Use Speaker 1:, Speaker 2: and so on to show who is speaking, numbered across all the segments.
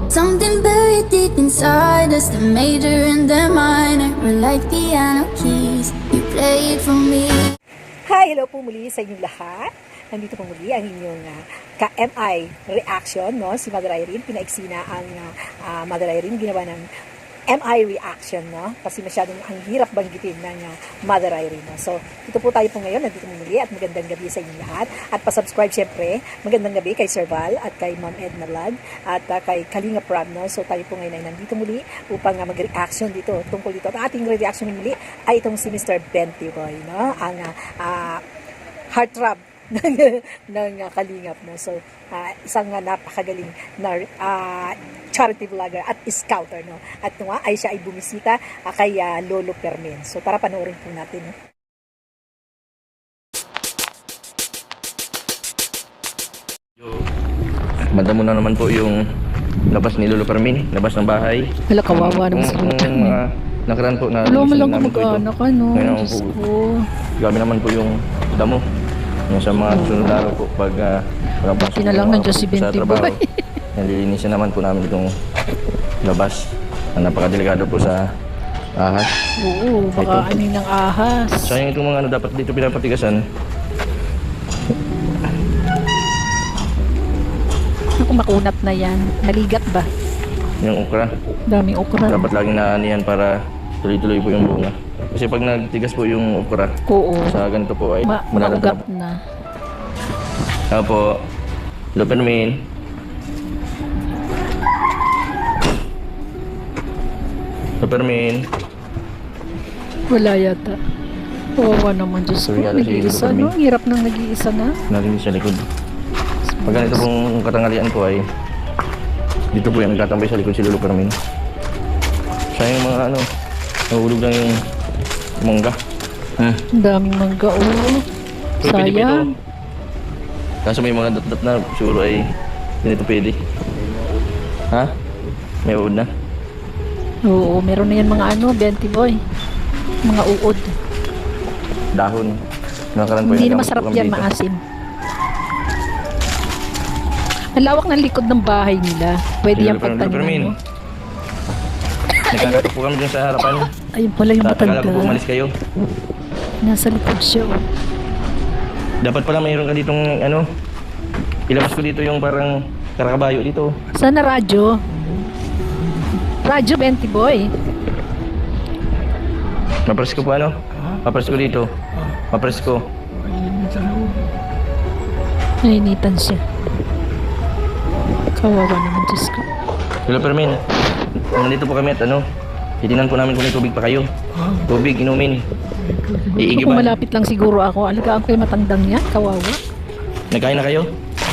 Speaker 1: Something buried deep inside us, the major and the minor were like piano keys. You played for me.
Speaker 2: Hi, hello po muli sa inyong lahat. Nandito po muli ang inyong ka-MI reaction, no? Si Mother Irene, pinaiksi na ang Mother Irene, ginawa ng MI reaction, no? Kasi masyadong ang hirap banggitin ng Mother Irene, no? So, dito po tayo po ngayon, nandito po muli at magandang gabi sa inyong lahat. At pa-subscribe syempre, magandang gabi kay Sir Val at kay Ma'am Edna Vlog at kay Kalinga Prab, no? So, tayo po ngayon ay nandito muli upang mag-reaction dito, tungkol dito. At ating reaction muli ay itong si Mr. Bentiboy, no? Ang heartthrob ng Kalingap, no? So, isang napakagaling na charity vlogger at scouter, no? At ay siya ay bumisita kay Lolo Permen. So, tara panoorin po natin, no?
Speaker 3: Madamo na naman po yung labas ni Lolo Permen, labas ng bahay.
Speaker 2: Hala, kawawa naman si Lolo Permen.
Speaker 3: Nakaraan po na
Speaker 2: Alam mo lang
Speaker 3: namin po ito.
Speaker 2: kumag-anak ka, no?
Speaker 3: Ngayon
Speaker 2: Diyos
Speaker 3: po,
Speaker 2: ko.
Speaker 3: grabe naman po yung damo. Yung sa mga sunod araw po pag
Speaker 2: Buti na lang nandiyan si Bentiboy.
Speaker 3: Nalilinisan naman po namin itong labas. Napakadelikado po sa ahas.
Speaker 2: Oo, baka ano ng ahas.
Speaker 3: Sayang itong mga dapat dito pinapatigasan.
Speaker 2: Naku, makunat na yan. Naligat ba?
Speaker 3: Yung okra.
Speaker 2: Daming okra.
Speaker 3: Dapat laging naanihan para tuloy-tuloy po yung bunga. Kasi pag nagtigas po yung okra,
Speaker 2: Oo.
Speaker 3: sa ganito po ay
Speaker 2: Maugat na.
Speaker 3: Apo, Lolo Permen. Lolo Permen.
Speaker 2: Wala yata. Kawawa naman, Diyos ko.
Speaker 3: Sorry, alas
Speaker 2: Nag-iisa,
Speaker 3: yun,
Speaker 2: no? Hirap nang nag-iisa na.
Speaker 3: Narinig sa likod. Pag ganito pong katanghalian po ay dito po yung nagtatambay sa likod si Lolo Permen. Sayang yung mga nahulog lang yung mangga.
Speaker 2: Ang daming mangga, oh.
Speaker 3: Pero pwede pa ito.
Speaker 2: Sayang.
Speaker 3: Kaso may mga dot-dot na siguro ay ganito pwede. Ha? May uod na?
Speaker 2: Oo, meron na yan mga Bentiboy. Mga uod.
Speaker 3: Dahon. Nakakaraan po
Speaker 2: Hindi
Speaker 3: yung
Speaker 2: na masarap
Speaker 3: kami
Speaker 2: yan,
Speaker 3: dito.
Speaker 2: maasim. Ang lawak ng likod ng bahay nila. Pwede yan
Speaker 3: Lolo Permen.
Speaker 2: pagtaniman mo.
Speaker 3: Nagkakato po kami dyan sa harapan.
Speaker 2: Ayun pala yung
Speaker 3: Akala ko po
Speaker 2: matanda.
Speaker 3: umalis kayo.
Speaker 2: Nasa likod siya, oh.
Speaker 3: Dapat pala mayroon ka ditong ilabas ko dito yung parang karakabayo dito.
Speaker 2: Sana radyo? Radyo, Bentiboy.
Speaker 3: Mapres ko po Mapres ko dito. Mapres ko.
Speaker 2: Nainitan siya. Kawawa naman, Diyos ko.
Speaker 3: Lolo Permen, nandito po kami at titinan po namin kung may tubig pa kayo. Tubig, inumin.
Speaker 2: Kung
Speaker 3: Iigiban.
Speaker 2: malapit lang siguro ako, alagaan ko yung matandang niya. Kawawa.
Speaker 3: Nagkain na kayo?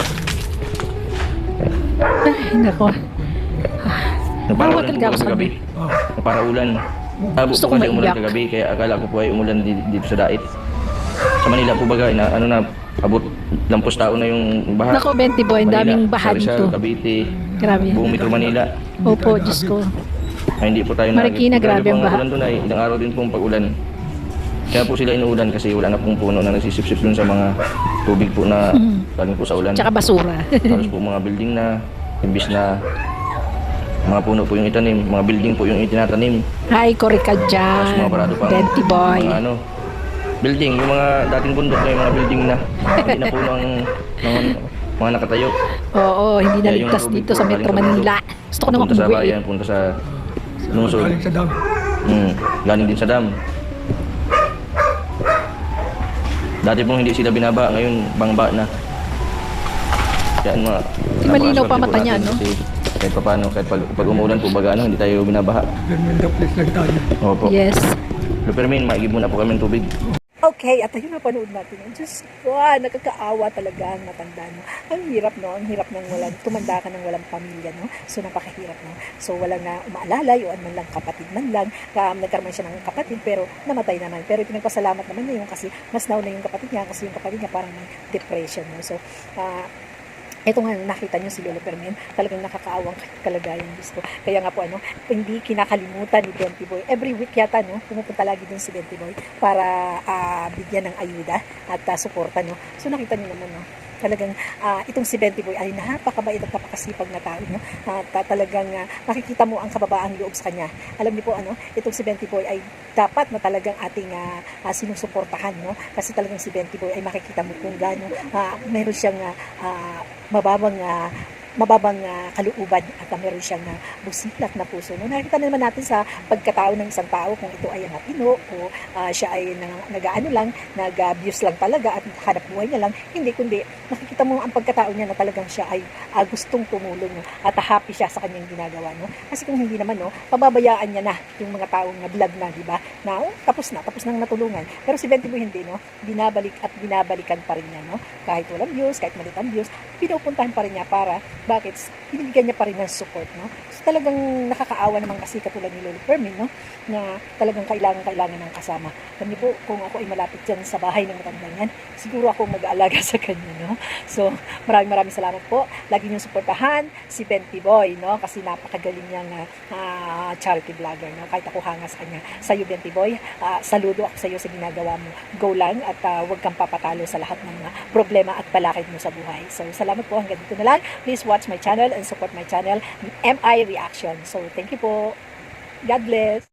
Speaker 2: Ay, nako. Kawawa
Speaker 3: Naparaulan
Speaker 2: talaga
Speaker 3: po
Speaker 2: ako sa
Speaker 3: kagabi. Naparaulan. Tabo
Speaker 2: Gusto
Speaker 3: po
Speaker 2: ko
Speaker 3: kasi umulan
Speaker 2: maiyak.
Speaker 3: kagabi, kaya akala ko po ay umulan dito sa dait. Sa Manila po baga, abot lampos tao na yung baha.
Speaker 2: Nako, Bentiboy, ang daming baha
Speaker 3: Rizal,
Speaker 2: dito.
Speaker 3: Cavite,
Speaker 2: Grabe.
Speaker 3: buong Metro Manila.
Speaker 2: Opo, Diyos ko.
Speaker 3: Ay, hindi po tayo
Speaker 2: Marikina, grabe ang baha.
Speaker 3: Ulan doon ay ilang araw din pong pag-ulan. Kaya po sila inuulan kasi wala na pong puno na nagsisipsip dun sa mga tubig po na galing po sa ulan.
Speaker 2: Tsaka basura.
Speaker 3: Tapos po mga building na, imbis na mga puno po yung itanim, mga building po yung itinatanim.
Speaker 2: Hi, Cory ka
Speaker 3: Tapos
Speaker 2: dyan.
Speaker 3: mga parado pa.
Speaker 2: Bentiboy.
Speaker 3: Mga building, yung mga dating bundok na yung mga building na hindi na puno ang mga nakatayo.
Speaker 2: Oo, hindi
Speaker 3: Kaya
Speaker 2: naligtas
Speaker 3: yung tubig
Speaker 2: dito
Speaker 3: po
Speaker 2: sa
Speaker 3: galing
Speaker 2: Metro
Speaker 3: sa
Speaker 2: Manila. Gusto ko naman
Speaker 3: Punta sa
Speaker 2: umuwi.
Speaker 3: bayan, punta sa lungsod. Galing sa dam. Galing din sa dam. Dati pong hindi sila binaba, ngayon bangba na. Yan mga
Speaker 2: Di malinaw pa
Speaker 3: napakaswerte
Speaker 2: mata
Speaker 3: po
Speaker 2: niya,
Speaker 3: natin
Speaker 2: no?
Speaker 3: Kasi kahit pa paano, kahit pag umuulan po baga, hindi tayo binabaha. Opo.
Speaker 2: Yes.
Speaker 3: Lolo Permen, maigib muna po kami ng tubig.
Speaker 2: Okay, at ayun na panood natin. Diyos ko, nakakaawa talaga ang matanda, no? Ang hirap, no? Ang hirap ng tumanda ka ng walang pamilya, no? So, napakahirap, no? So, walang umaalalay o man lang kapatid man lang. Nagkaroon siya ng kapatid, pero namatay naman. Pero pinagpasalamat naman niya yung kasi mas nauna yung kapatid niya kasi yung kapatid niya parang may depression, no? So, ito nga, nakita nyo si Lolo Permen, talagang nakakaawang kalagayan, Diyos ko. Kaya nga po, hindi kinakalimutan ni Bentiboy. Every week yata, pumupunta lagi dun si Bentiboy para bigyan ng ayuda at suporta, So, nakita nyo naman, Talagang itong si Benty Boy ay napakabait at napakasipag na tao, no? Talagang makikita mo ang kababaang loob sa kanya. Alam niyo po, itong si Benty Boy ay dapat na talagang ating sinusuportahan, no? Kasi talagang si Benty Boy ay makikita mo kung gaano meron siyang mababang kalooban at meron siyang busilak na puso. No? Nakikita naman natin sa pagkatao ng isang tao kung ito ay matino o siya ay nag-ano lang, nag-abuse lang talaga at hanap buhay niya lang. Hindi, kundi nakikita mo ang pagkatao niya na talagang siya ay gustong tumulong, no? At happy siya sa kanyang ginagawa. No? Kasi kung hindi naman, no, pababayaan niya na yung mga taong vlog na, di ba? Na tapos nang natulungan. Pero si Benty Boy hindi, no? Binabalikan pa rin niya, no? Kahit walang views, kahit malit ang views, pinupuntahan pa rin niya para bakit? Binibigyan niya pa rin ng support, no? So talagang nakakaawa naman kasi katulad ni Lolo Fermin, no? Na talagang kailangan ng kasama. Alam niyo po, kung ako ay malapit dyan sa bahay ng matandang yan, siguro ako mag-aalaga sa kanya, no? So, maraming salamat po. Lagi niyong suportahan si Benty Boy, no? Kasi napakagaling niyang charity vlogger, no? Kahit ako hanga sa kanya. Sa iyo, Benty Boy, saludo ako sa iyo sa ginagawa mo. Go lang at huwag kang papatalo sa lahat ng problema at balakid mo sa buhay. So, salamat po. Hanggang dito na lang. Please watch my channel and support my channel, MI Reaction. So, thank you po. God bless.